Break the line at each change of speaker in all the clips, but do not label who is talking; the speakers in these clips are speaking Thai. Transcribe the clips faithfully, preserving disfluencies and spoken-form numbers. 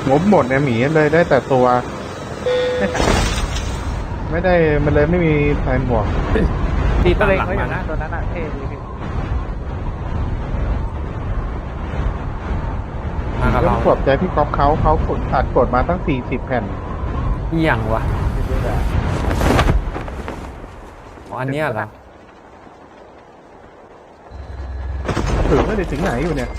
งบหมดเนี่ยหมีเลยได้แต่ตัว ไม่ได้มันเลยไม่มีแผนบวก
ตี
ก็
ตั้ง
เล็ง
หลัง
ไว้อ
มา
ยู่นะ
นะ
ตัวนั้นอ่ะเท่ดีพี่
มากับ
ต้อ
เรา
งปลอบใจพี่ก๊อฟเขาเขากดตัดกดมาตั้งสี่สิบแผ่น
อหย่างวะ
เยอะๆเลย
อ๋ออันเนี้ยเหรอ
ถึงไม่ได้ถึงไหนอยู่เนี่ย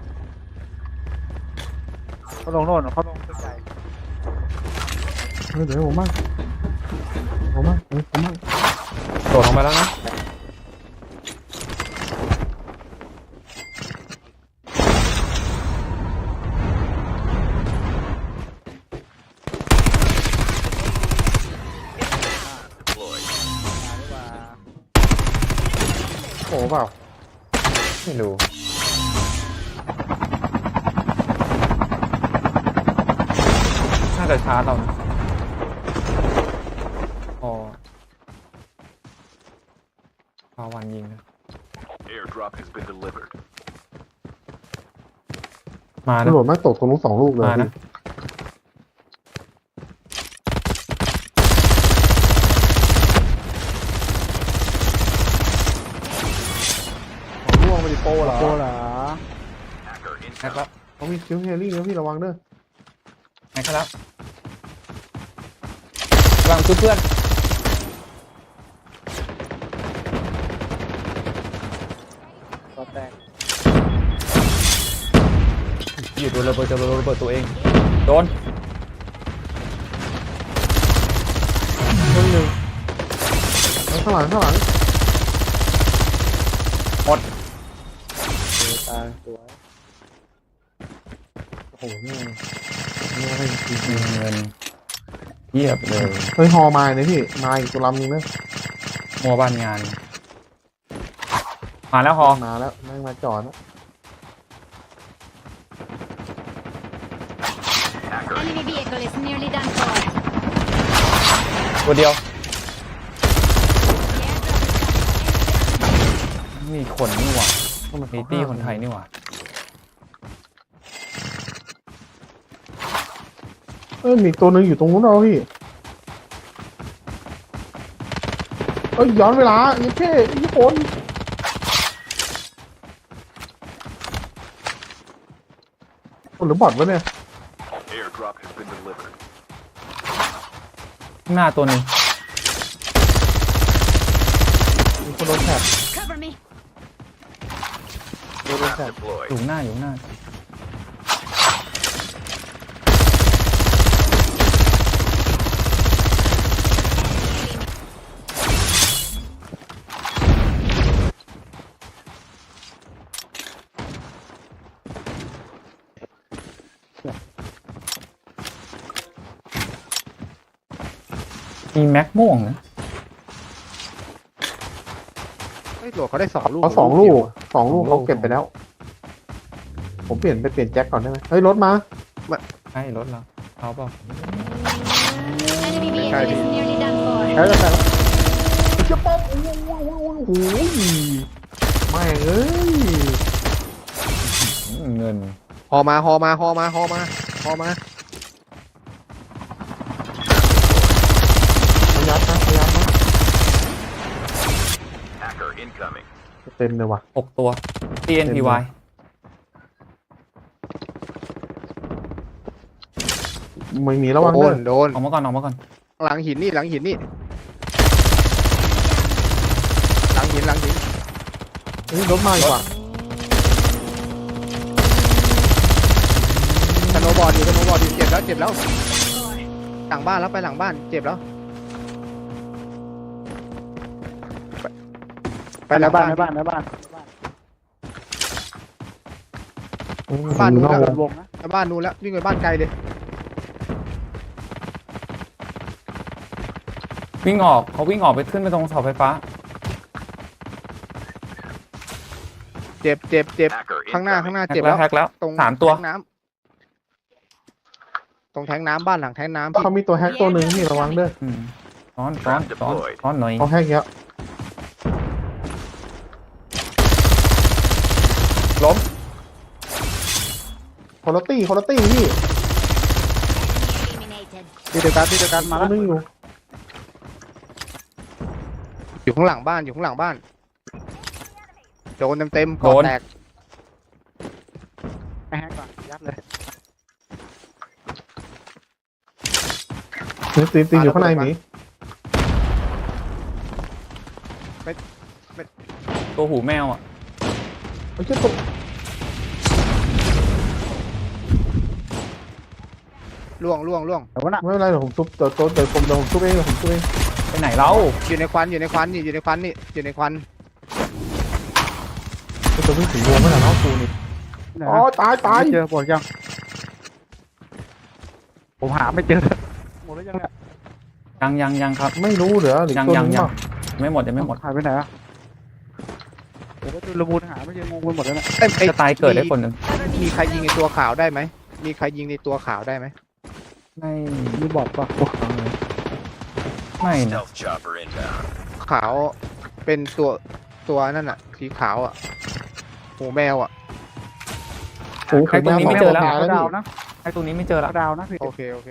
เขาลงโน่นเขาลงตึกใหญ่
เออเดี๋ยวผมมั่งผมมั่งเออผมมั่ง
โดดลงไปแล้วนะ
โอ้เปล่า
ไม่รู้น่าจะชาร์จเรานะอ๋อพาวันยิงนะ
Airdrop has been delivered.
มา
ตำ
นะ
รวจมาตกตรงนู้นสองลูกเลย
มานะ
พี่ล่วงไปดิโปเหรอ
โปเหรอ
Hacker
แฮกแล้ว
เขามีคิวเฮลี่นะพี่ระวังเด้อ
แฮกแล้วกำลังชุบเพื่อน
ตัวแตก
อยู่โดนระเบิดจะโดนระเบิดตัวเองโดน
คนหนึ่งแล้วข้างหลังข้างหลัง
หมด
ตัวตายสวย
โอ้โหเนี่ยเนี่ยให้จริง
มีเงินเยียบเลย
ๆเฮ้ยฮอมาเนี่ยพี่มาอีกตัวลำนึงนะ
มัวบ้านงาน มาแล้วฮอ
มาแล้วแม่งมาจอดแล้ว
Hacker
Enemy vehicle is nearly done for.
ตัวเดียว มีคนนี่หว่ามีตี้คนไทยนี่หว่า
เอ้ยมีตัวหนึงอยู่ตรงนู้นเราพี่เอ้ยย้อนเวลายี่เท่ยี่คนคนหรือบอทวะเนี่ย
airdrop has been delivered.
ข้างหน้าตัวหนึ่ง
มีคนโดนแท็บ
Cover me.
โดนแท็บ
Deployed.
อยู่ข้างหน้าอยู่ข้างหน้า มีแม็กม่วงนะ
เฮ้ยโหลดเขาได้สองลูก
เขาสองลูกสองลูกเขาเก็บไปแล้ว ผมเปลี่ยนไปเปลี่ยนแจ็คก่อนได้ไหมเฮ้ยรถมา
ใช่รถเราเอาเปล่า
Enemy vehicle is nearly done for.
ใช้แล้วใช้แล้วเจ้าป้อมโอ้โหไม่งเอ้ย
อืมเงิน
ฮอมาฮอมาฮอมาฮอมาฮอมา
พยับนะพยับนะ
Hacker incoming.
เต็มเลยว่ะ
หกตัว ที เอ็น พี วาย
ไม่มีระวัง
โด
เด้
น
อ
โดน
ออกมาก่อนออกมาก่อน
หลังหินนี่หลังหินนี่หลังหินหลังหิน
เฮ้ยรถมาอีกว่ะ
สโนว์บอร์ดอยู่สโนว์บอร์ดอยู่เจ็บแล้วเจ็บแล้วหลังบ้านแล้วไปหลังบ้านเจ็บแล้วไปไปหลังบ้าน
ในบ้านในบ้าน
บ้านนู้น
นอก
แล้ว
วง
วงนะ
ไปบ้านนู้นแล้ววิ่งไปบ้านไกลเลย
วิ่งออกเขาวิ่งออกไปขึ้นไปตรงเสาไฟฟ้า
เจ็บเจ็บเจ็บ
Hacker
ข้างหน้า
incoming.
ข้างหน้า
แฮก
เจ็บ
แล้
แล้ว ว
แฮกแล้ว
ตรง
สามตัว
แทงน้ำตรงแทงน้ำบ้านหลังแทงน้ำพี่
เขามีตัวแฮกตัวหนึ่งนี่ระวังเด้อ
อืมซ้อนซ้อนซ้อนซ้อนหน่อย
เขาแฮกเยอะ
ล้ม
คุณภาพคุณภาพพี่
ที่เดียวกันที่เดียวกันมา
มา
แล้ว
นึงอยู่
อยู่ข้างหลังบ้านอยู่ข้างหลังบ้านโดนเต็มๆก่อแตกไม่แฮกก่อนยัดเลย
ตีนตีนตีนอยู่ข้างในหมี
ตัวหูแมวอ่ะ
ไอ้เจ้าตก
ล่วงล่วงล่วง
ไม่เป็นไรเดี๋ยวผมทุบเดี๋ยวเดี๋ยวผมเดี๋ยวผมทุบเองเดี๋ยวผมทุบเอง
ไปไหนเรา
อยู่ในควันอยู่ในควันนี่อยู่ในควันนี่อยู่ในควัน
ไอ้ตัววิ่งสีวงไม่หนาเนาะกูนี่อ๋อตายตาย
เจอหมดยังผมหาไม่เจอหมดแล้วยังเนี่ย
ยังยังยังครับ
ไม่รู้เหรอหรือ
ยัง
ตัว
ยัง
นึง
ยัง
ป่ะ
ไม่หมดยังไม่หมด
หายไปไหนอ่ะเดี๋ยวก็จุลมูลหาไม่เจองงไปหมดแล้วเนี่ย
จะตายเกิดได้คนหนึ่ง
มีใครยิงในตัวขาวได้ไหมมีใครยิงในตัวขาวได้ไหม
ไม่
มีบอดปะ
ไม่นะ
Stealth chopper inbound.
ขาวเป็นตัวตัวนั่นอ่ะสีขาวอ่ะหูแมวอ่ะ
โอ้โห
ไอ้ตรงนี้ไม่เจอแล้ว
ตายแล้ว
ดาว
พี่
นะ
ไอ้ตรงนี้ไม่เจอแล้ว
ดาวนะพี่โอเคโอเค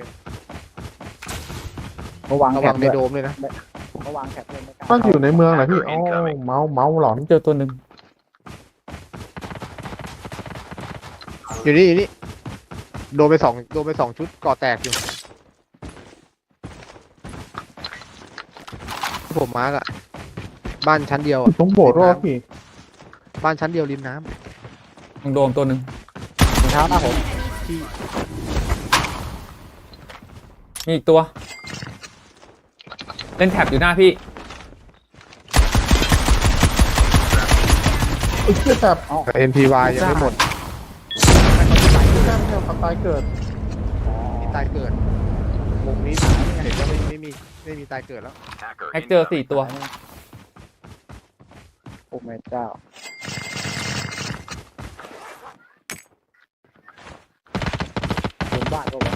ระวัง
ระ
แถ
วั
บ
งใน
ด้วย
โดมเลยนะ
ระวังแถบด้วยไม่กล้า
มันอยู่ในเมืองเหรอพี่อ๋อเมาเมาหลอน
เจอตัวหนึ่ง
อยู่นี่อยู่นี่โดนไปสองโดนไปสองชุดก่อแตกอยู่ผมมาร์กอะบ้านชั้นเดียวอะ
ต้องโบดรอดพี่
บ้านชั้นเดียวริมน้
ตรงโดมตัวหนึ่ง
รองเท้าหน้าผม
มีอีกตัว เล่นแท็บอยู่หน้าพี่
ไอ้เชี่ยแบบ
ำ เอ็น พี วาย ยังไม่หมด
แค่ไม่ใช่ขับตายเกิด
มีตายเกิดมุมนี้เห็นว่าไม่ไม่มีไม่มีตายเกิดแล้ว
Hacker
แฮกเจอ
incoming.
สี่ตัว
โอ้แม่เจ้าโดนบ้านก็วะ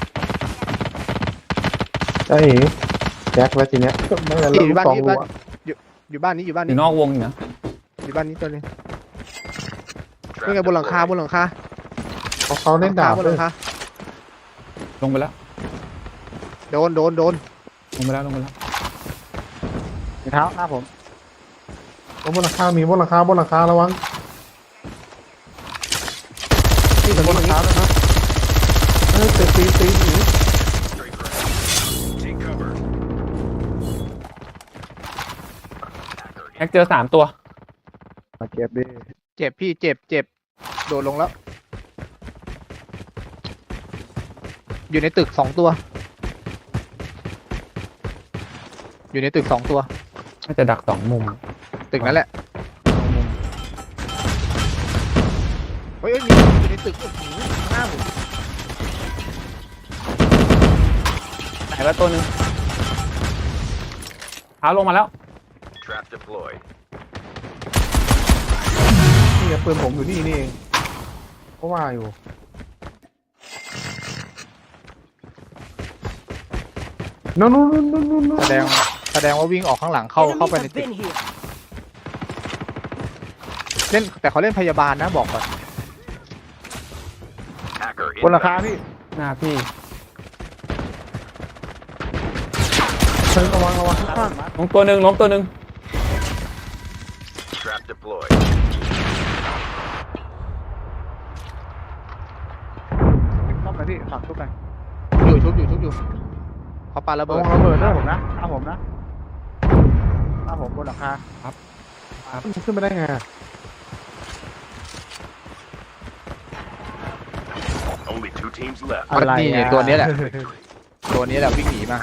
ไอ้แจ็คแล้วทีเนี้ยไม่เป็นไร
อยู่บ้าน
สอง
นี้
รู
บ้าน
อะ
อยู่อยู่บ้านนี้อยู่บ้าน
อ
นี้
ยู่นอกวงอยู่นะ
อยู่บ้านนี้ตัวนึงนี่ไงบนหลังคาบนหลังคา
เขาเขาเล่นดาบบ
น
เล
หลั
ย
งคา
ลงไปแล้ว
โดนโดนโดน
ลงไปแล้วลงไปแล้ว
รองเท้าหน้าผม
บนหลังคามีบนหลังคาบนหลังคาระวัง
นี่ตรง
บนหลัง
นี้
คาแล้วนะเออตีตีตีหนี
Straight for it. Take cover.
แฮกเจอสามตัว
มาเก็บดิ
เจ็บพี่เจ็บเจ็บโดดลงแล้ว อยู่ในตึกสองตัว อยู่ในตึกสองตัว
น่าจะดักสองมุม
ตึกนั้นแหละเฮ้ยเอ้ยมีอยู่ในตึกโอ้โหข้างหน้าผม
ไหนแล้วตัวหนึ่งเท้าลงมาแล้ว
Trap deployed.
นี่ไงปืนผมอยู่นี่นี่เองเพราะว่าอยู่นู่นนู่นนู่นนู่นนู่น
แสดงแสดงว่าวิ่งออกข้างหลังเข้าเข้าไปในตึกเล่นแต่เขาเล่นพยาบาลนะบอกก่อน
Hacker
บนหลังคา
incoming.
พี่
หน้าพี่
เชิญระวังระวังข้าง
ล้มตัวหนึ่งล้มตัวหนึ่ง
Trap deployed.
ต้องไปที่ผักทุกไป
อยู่ชุบอยู่ชุบอยู่เขาปาระ
ระ
เบิด
วังระเบิด
ห
ด้
น้า
วย
ผมนะหน้าผมนะหน้าผมบนหลังคา
มันขึ้นไปได้ไง
Only two teams left.
อะไร
นี่
อ่ะ
ตัวนี้แหละ ตัวนี้แหละวิ่งหนีมา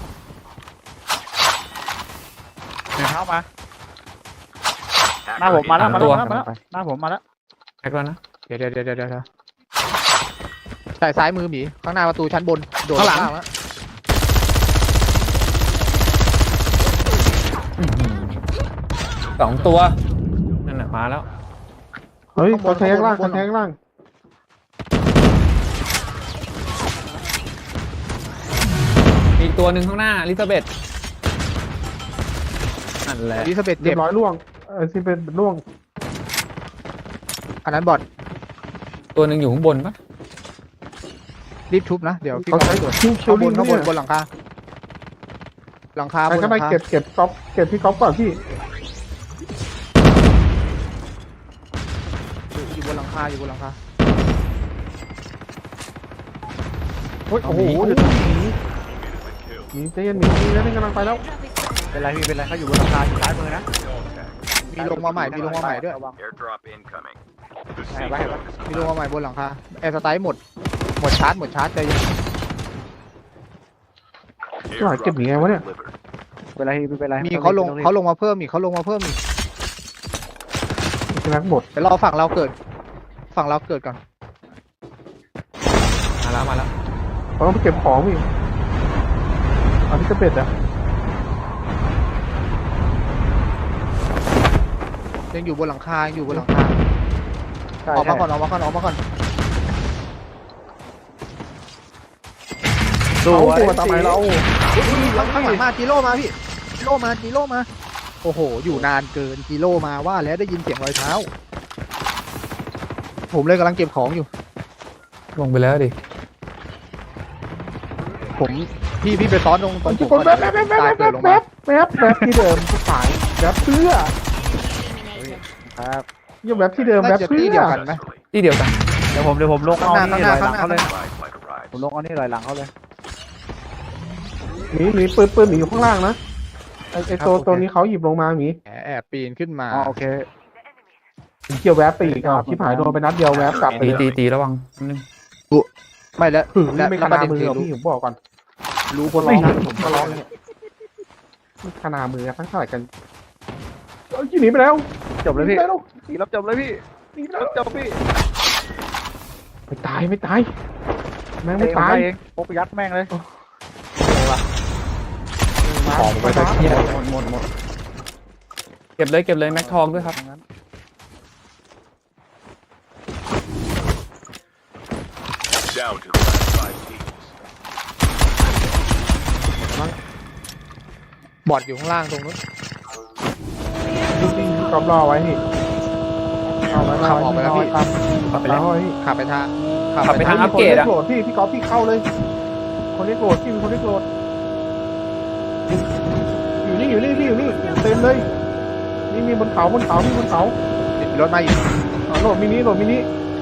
รองเท้ามา
Hacker
หน้าผมมาแล้วมา
ตั
แล้ว
ว
มาแล้วหน้าผมมาแล้ว
แฮกแล้วนะ
เดี๋ยวเดี๋ยวเดี๋ยวเดี๋ยวเดี๋ยวใส่ซ้ายมือหมีข้างหน้าประตูชั้นบนโดด
ข้างหลัง
ข้แล้ว
อื้อหือสองตัวนั่นแหละมาแล้ว
เฮ้ยเขาแทงล่างเขาแทงล่าง
มีอีกตัวหนึ่งข้างหน้าลิซาเบธนั่นแหละ
อลิซาเบธ
เรี
เจ็
ย
บบ
ร้อยล่วงเออที่เป็นล่วง
อันนั้นบอด
ตัวหนึ่งอยู่ข้างบนปะ
รีบทุบนะเดี๋ยวพี่
เขา
ก็
ใช้
ตรวจ
คิวคิว
ข้างบ
ลิ
น
ง
ข้างบ
เนี่
น
ย
บนหลังคาหลังคาบ
ใคร
นห
ก็
ลั
ได้
งคา
เก็บเก็บก๊อฟเก็บพี่ก๊อฟก่อนพี่
อยู่บนหลังคาอยู่บนหลังคา
โอ้ยโอ้โหเดี๋ยวต้องหนีหนีใจเย็นหนีหนีแล้วนี่กำลังไปแล้ว
เป็นไรพี่เป็นไรเขาอยู่บนหลังคาอยู่ซ้ายมือนะ
มีลงมาใหม่มีลงมาใหม่ด้วย
ระวัง
Airdrop incoming. The
Hey,
safe
bye,
zone is
มีลงมาใหม่บนหลังคาแอร์สไตล์หมดหมดชาร์จหมดชาร์จใจเย็น
จะหาเก็บหนีไงวะเนี่ย
delivered.
เป็นไรพี่เป็นไร
มีเขาลงเขาลงมาเพิ่มอีกเขาลงมาเพิ่มอีก
จะรักหมด
เดี๋ยวรอฝั่งเราเกิด ฝั่งเราเกิดก่อน
มาแล้วมาแล้ว
เราต้องไปเก็บของพี่เอาที่กระเป็ดอะ
ยังอยู่บนหลังคายังอยู่บนหลังคา
ใช่
ออก
ใช่
มาก่อนออกมาก่อนออกมาก่อน
เอาตัวทำไมเรา
ข้างหลังมาจีโร่มาพี่จีโร่มาจีโร่มาโอ้โห อยู่นานเกินจีโร่มาว่าแล้วได้ยินเสียงรอยเท้า ผมเลยกำลังเก็บของอยู่
ลงไปแล้วดิ
ผมพี่พี่ไปซ้อนตรงตรงผม
คน
ก่อน
แวบแวบแวบ
ตาย
แว
เกิด
บ
ลง
แว
มา
บแวบแวบที่เดิมที่ขายแวบเพื่อ
Eliminated.
ครับ
ยังแวบที่เดิมแว
น่า
บ
จะ
เพื่
ที่
อ
เดียวกันไหม
Successfully.
ที่เดียวกัน
เดี๋ยวผมเดี๋ยวผมลงเอา
ข้างหน้า
นี่ลอยห
ข้า
ลั
ง
ง
หน้า
เขาเลย
Supply flight arrives.
ผมลงเอานี่ลอยหลังเขาเลย
หมีหมีปืนปืนหมีอยู่ข้างล่างนะไอไอตัวตัวนี้เขาหยิบลงมาหมี
แอบแอบปีนขึ้นมา
อ๋อโอเค
เกี่ยวแวบไปอีกอ่ะชิบหายโดนไปนัดเดียวแวบกลับไป
ตี
เลย
ตีตีระวังนิดนึง
ไม่แล้ว
หือ
และ
ไม่
แล้
ข
วประ
นา
เด็น
มือ
คือ
หรอก
รู้
พี่ผมบอกก่อนรู้คนร้องนะผมก็ร้องเนี่ยไม่ขนามือทั้งเท่าไหร่กันเอ้ยหนีไปแล้ว
จบเลยพี่
หนีไปแล้ว
พี่รับจบเลยพี่
หนีไป
รั
แล้ว
บจบพี่
ไม่ตายไม่ตายแม่ง
ไม่
ไม่
ตา
ตาย ย
เองพกยัดแม่งเลย
ของไปตาย
หมดหมดหมด
เก็บเลยเก็บเลยแม็กทองด้วยครับ
Down to the last five teams.
บอดอยู่ข้างล่างตรงนู้น
จริงๆกอบรอไว้นี่เอาไว้
ขับออกไปแล้วพี่
ครับ
ขับไปแล้ว
เอาไว้พี่
ขับไปทาง
ขับไปทางอัปเกรดอะ
คนรียโหลดพี่พี่กอล์ฟพี่เข้าเลย คนเรียกโหลดพี่มีคนเรียกโหลดอยู่นี่อยู่นี่พี่อยู่นี่เต็มเลยนี่มีบนเขาบนเขาพี่บนเขา
มีรถมาอยู่
อ๋อโหลดมินิโหลดมินิ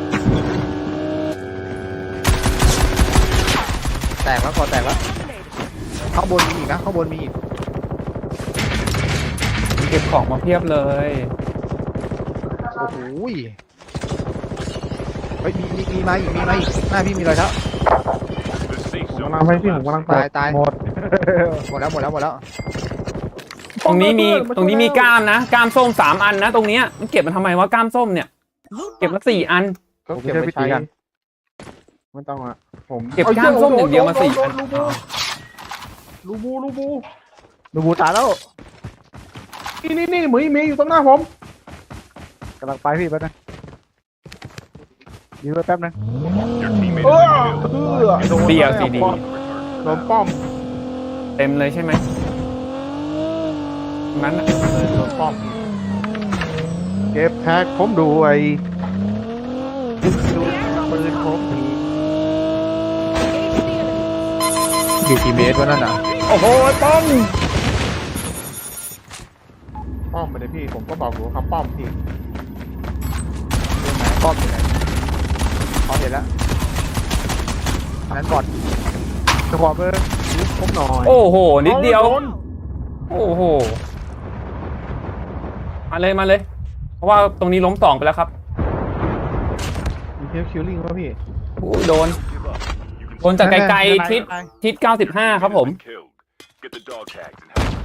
แตกแล้วก่อนแตกแล้วข้างบนมีอีกนะข้างบนมีอีก
เก็บของมาเพียบเลย
โอ้โหยเฮ้ยมีมีมีมาอีกมีมาอีกหน้าพี่มีรอยเท้า
The safe
ผม
zone
กำลังไปพี่ผมกำลังไป
ตายตาย
หมด
หมดแล้วหมดแล้วหมดแล้ว
ตรงนี้มี
า
ตรงนี้มี
ช่วย
ก้ามนะก้ามส้มสามอันนะ ตรงเนี้ยมันเก็บมันทำไมวะก้ามส้มเนี่ย เก็บมาสี่อัน
ก็เก็บไปใช้ไม่ต้องอ่ะผม
เก็บก้ามส้มอย่างเดียวมาสี่อัน
ลูบูลูบู
ดูบูตายแล้ว
นี่นี่นี่หมีหมีอยู่ตรงหน้าผม
กำลังไปพี่แป๊บนึงยืนไว้แป๊บนึง
Your teammate
เอ
is
อ
killed.
เออโดน
เดียวซีดี
ป้อมโดนป้อม
เต็มเลยใช่ไหมนั้นน่ะ
โดนป้อมเก็บแท็กผมด้วยปืนผมมี
อยู่กี่เมตรวะนั่นน่ะ
โอ้โหป้อม
ป้อมไปเลยพี่ผมก็บอกอยู่ว่าครับป้อมพี่
ป้อมอยู่ไหนอ๋อเห็นแล้วอันนั้นบอด
จะขอเบอร์
ผมหน่อย
โอ้โหนิดเดียว
โน
โอ้โหมาเลยมาเลย เพราะว่าตรงนี้ล้มสองไปแล้วครับ
มีเทลคิวลิงป่ะพี่
โอ้ยโดน
Give up. You can
โดนจากไกลๆทิศทิศเก้าสิบห้าครับผม
killed. Get the dog tags and help